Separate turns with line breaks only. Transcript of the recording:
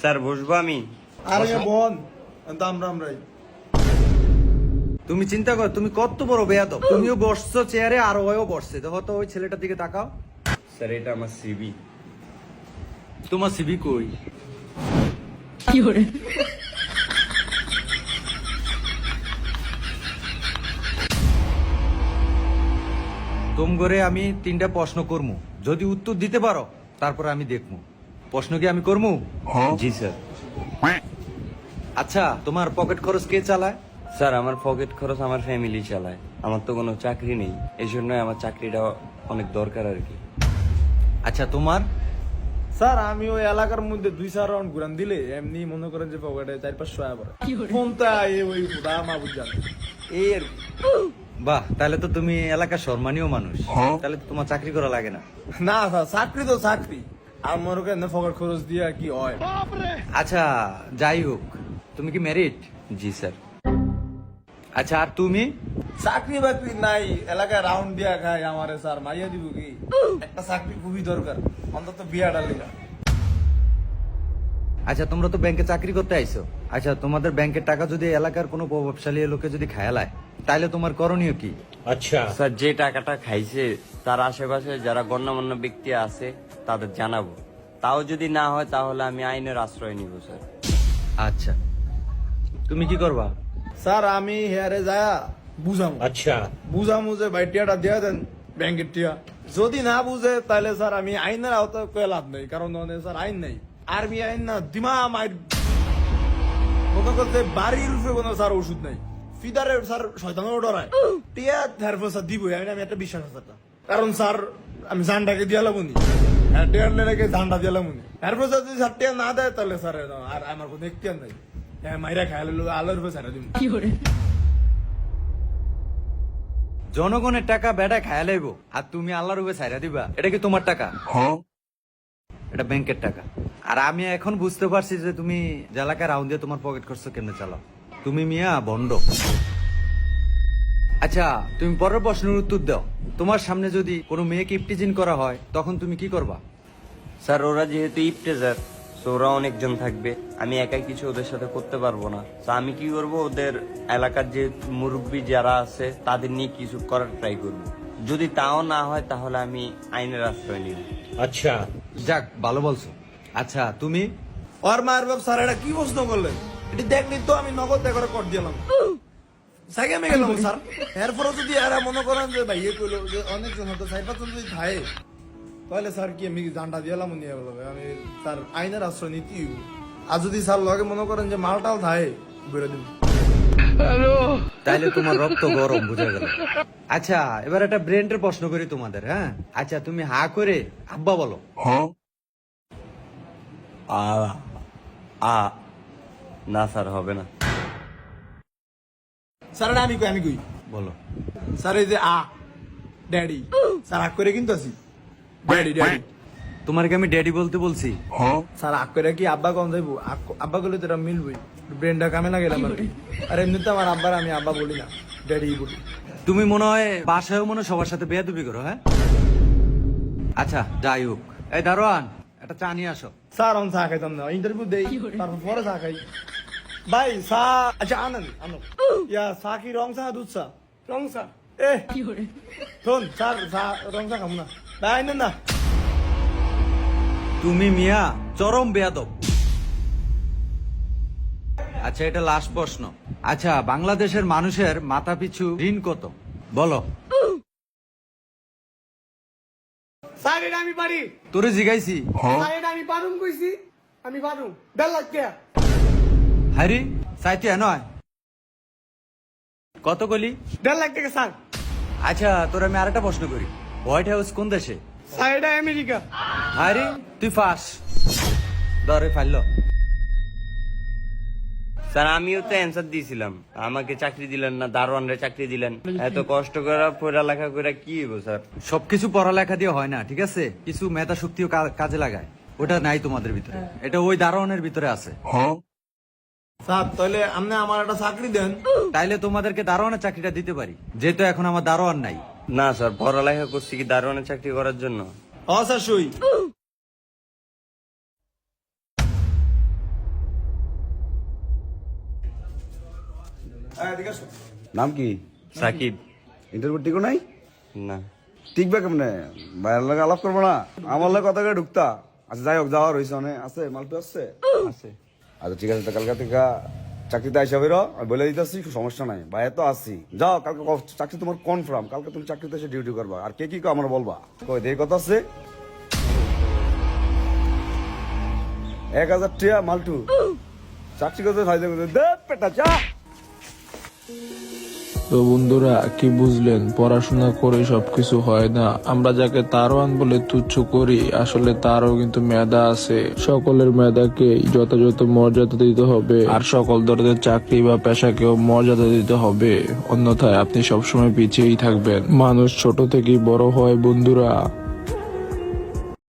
Sir বসবো আমি?
আরে বোন আমরাই।
তুমি চিন্তা কর, তুমি কত বড় বেয়াদব। তুমিও বসছো চেয়ারে আর ওও বসছে। দেখো তো ওই ছেলেটার দিকে তাকাও।
স্যার এটা আমার সিবি।
তোমার সিবি কই? তুম করে আমি 3টা প্রশ্ন করমু, যদি উত্তর দিতে পারো তারপর আমি দেখমু। প্রশ্ন কি আমি করমু?
জি স্যার।
আচ্ছা, তোমার পকেট খরচ কে চালায়?
স্যার আমার পকেট খরচ আমার ফ্যামিলি চালায়। আমার তো কোনো চাকরি নেই, এই জন্য আমার চাকরিটা অনেক দরকার আর কি।
আচ্ছা তোমার?
স্যার আমি ওই এলাকার মধ্যে 2-4 রাউন্ড ঘুরান দিলে এমনি মনে করেন যে পকেটে 4-500 আয়া পড়ে। ফোনটা ওই খুদা মাহবুব জানে এই আর কি।
বাহ, তাহলে তো তুমি এলাকার সম্মানীয় মানুষ। তাহলে তো তোমার চাকরি করা লাগে না।
না স্যার, চাকরি তো চাকরি, আর মনে করেন পকেট খরচ দিয়া কি হয়।
আচ্ছা যাই হোক, তুমি কি ম্যারিড?
জি স্যার।
আচ্ছা আর তুমি?
চাকরি বাকরি নাই, এলাকায় রাউন্ড দিয়া খায় আমারে স্যার মাইয়া দিব কি? একটা চাকরি খুবই দরকার, অন্তত বিয়াটা লিগা।
আচ্ছা তোমরা তো ব্যাংকে চাকরি করতে আইছো। আচ্ছা তোমাদের ব্যাংকের টাকা যদি এলাকার কোনো প্রভাবশালী লোকে যদি খায়ালায়, তাহলে তোমার করণীয় কি?
স্যার যে টাকাটা খাইছে তার আশেপাশে যারা গণ্যমান্য ব্যক্তি আছে তাদের জানাবো। তাও যদি না হয় তাহলে আমি আইনের আশ্রয় নিব স্যার।
আচ্ছা তুমি কি করবা?
স্যার আমি হেয়ারে যায় বুঝাম।
আচ্ছা
বুঝামু যে ভাই টিয়াটা দিয়ে দেন ব্যাংকের টিয়া। যদি না বুঝে তাহলে স্যার আমি আইনের আওতায় কয়ে লাভ নেই, কারণ স্যার আইন নাই, আর্মি আইন না দিমা মাইর মনে করতে বাড়ির রূপে কোনো স্যার ওষুধ নাই। ফিদারে স্যার শয়তানও ডরায় টিয়া ধারপো স্যার দিবই, আমি একটা বিশ্বাস আছে স্যার। কারণ স্যার আমি জানটাকে দিয়ে লাবনি, হ্যাঁ টিয়ার লেগে জানটা দিয়ে লাবনি। তারপর যদি স্যার টিয়া না দেয় তাহলে স্যার আর আমার কোনো এখতিয়ার নাই, হ্যাঁ মাইরা খাই আলোর রূপে স্যার দিব।
জনগণের টাকা বেটা খায়া লাইবো আর তুমি আল্লাহর উপরে ছাইরা দিবা? এটা কি তোমার টাকা? এটা ব্যাংকের টাকা। আর আমি এখন বুঝতে পারছি যে তুমি এলাকায় রাউন্ড দিয়ে তোমার পকেট খরচ কেমনে চালাও। তুমি মিয়া বন্ড। আচ্ছা তুমি পরের প্রশ্নের উত্তর দাও। তোমার সামনে যদি কোনো মেয়েকে ইপটিজিং করা হয় তখন তুমি কি করবা?
স্যার ওরা যেহেতু ইফতেজার, তো ওরা অনেকজন থাকবে, আমি একাই কিছু ওদের সাথে করতে পারবো না। তো আমি কি করব, ওদের এলাকার যে মুরব্বী যারা আছে তাদের নিয়ে কিছু করার ট্রাই করব। যদি তাও না হয় তাহলে আমি আইনের আশ্রয় নিব।
আচ্ছা যাক, ভালো বলছো। আচ্ছা তুমি?
আর মায়ের বাপ স্যার এটা কি প্রশ্ন করলেন? এটি দেখলি তো আমি নগদ করে কর দিলাম, সাইকে আমি গেলাম স্যার। এরপরে যদি এরা মনে করেন যে ভাই ইয়ে করলো যে অনেকজন হতো 4-5 যদি থাকে, তাহলে স্যার কি আমি জানটা দিলাম নিয়ে বলবো আমি স্যার আইনের আশ্রয় নীতি। আর যদি স্যার লগে মনে করেন যে মালটাল থাকে বেরো দিন।
তাইলে তোমার রক্ত গরম, বুঝা গেল। আচ্ছা এবার একটা ব্রেনের প্রশ্ন করি তোমাদের। হ্যাঁ আচ্ছা তুমি হা করে আব্বা বলো।
না স্যার হবে না।
স্যার এটা আমি কই
বলো।
স্যার এই যে ড্যাডি, স্যার আগ করে কিন্তু আছি ড্যাডি ড্যাডি।
তোমার কি আমি ড্যাডি বলতে বলছি?
স্যার আগ করে কি আব্বা কম যাইবো? আব্বা করলে তো এটা মিলবই, ব্রেনটা কামে না গেলাম আর কি। আর এমনিতে আমার আব্বার আমি আব্বা বলি না, ড্যাডি বলি।
তুমি মনে হয় বাসায়ও মনে হয় সবার সাথে বেয়াদবি করো। হ্যাঁ আচ্ছা যাই হোক, এই দারোয়ান একটা চা নিয়ে আসো।
স্যার আমি চা খাইতাম না, ইন্টারভিউ দেই তারপর পরে চা খাই। ভাই চা আচ্ছা আনেন আনো। ইয়া চা কি রং চা দুধ চা? রং চা। এ শোন স্যার চা রং চা খাবো না ভাই, আনেন না।
তুমি মিয়া চরম বেয়াদব। আচ্ছা এটা লাস্ট প্রশ্ন। আচ্ছা বাংলাদেশের মানুষের মাথা পিছু ঋণ কত বলো?
স্যার এটা আমি পারি,
তোরে জিগাইছি।
স্যার এটা আমি পারুম কইছি, আমি পারুম 1.5 লাখ টাকা।
হারি চাইতে নয় কত কলি?
1.5 লাখ টাকা স্যার।
আচ্ছা তোর আমি আরেকটা প্রশ্ন করি, হোয়াইট হাউস কোন দেশে?
স্যার এটা আমেরিকা।
হারি তুই ফাঁস ধরে ফাইল।
স্যার আমিও তো অ্যান্সার দিয়েছিলাম, আমাকে চাকরি দিলেন না, দারোয়ানরে চাকরি দিলেন। এত কষ্ট করে পড়ালেখা করে কি হইব স্যার?
সবকিছু পড়ালেখা দিয়ে হয় না, ঠিক আছে? কিছু মেধা শক্তিও কাজে লাগায়, ওটা নাই তোমাদের ভিতরে, এটা ওই দারোয়ানের ভিতরে আছে।
স্যার তাহলে আপনি আমার একটা চাকরি দেন,
তাইলে তোমাদেরকে দারোয়ানের চাকরিটা দিতে পারি, যেহেতু এখন আমার দারোয়ান নাই।
না স্যার, পড়ালেখা করছি কি দারোয়ানের চাকরি করার জন্য?
স্যার সই।
নাম কি?
সাকিব।
ইন্টারভিউ টিকো নাই?
না।
টিকবে কেমনে? ভাইয়ের লাগে আলাপ করবো না? আমার লাগে কথা করে ঢুকতা? আচ্ছা যাই হোক, যাওয়া রয়েছে অনেক আছে, মালপে আছে?
আছে।
আচ্ছা ঠিক আছে, কালকে থেকে চাকরিতে আইসা বেরো, আমি বলে দিতেছি, সমস্যা নাই, ভাইয়া তো আসি। যাও, কালকে চাকরি তোমার কনফার্ম, কালকে তুমি চাকরিতে এসে ডিউটি করবা। আর কে কি আমার বলবা, কই দেরি কথা আছে। 1000 টিয়া মালটু চাকরি করতে ফায়দা করতে দে পেটা চা।
তো বন্ধুরা কি বুঝলেন, পড়াশোনা করে সবকিছু হয় না। আমরা যাকে তারওয়ান বলে তুচ্ছ করি, আসলে তারও কিন্তু মেধা আছে। সকলের মেধাকে যথাযথ মর্যাদা দিতে হবে, আর সকল ধরনের চাকরি বা পেশাকেও মর্যাদা দিতে হবে, অন্যথায় আপনি সবসময় পিছিয়েই থাকবেন। মানুষ ছোট থেকেই বড় হয় বন্ধুরা।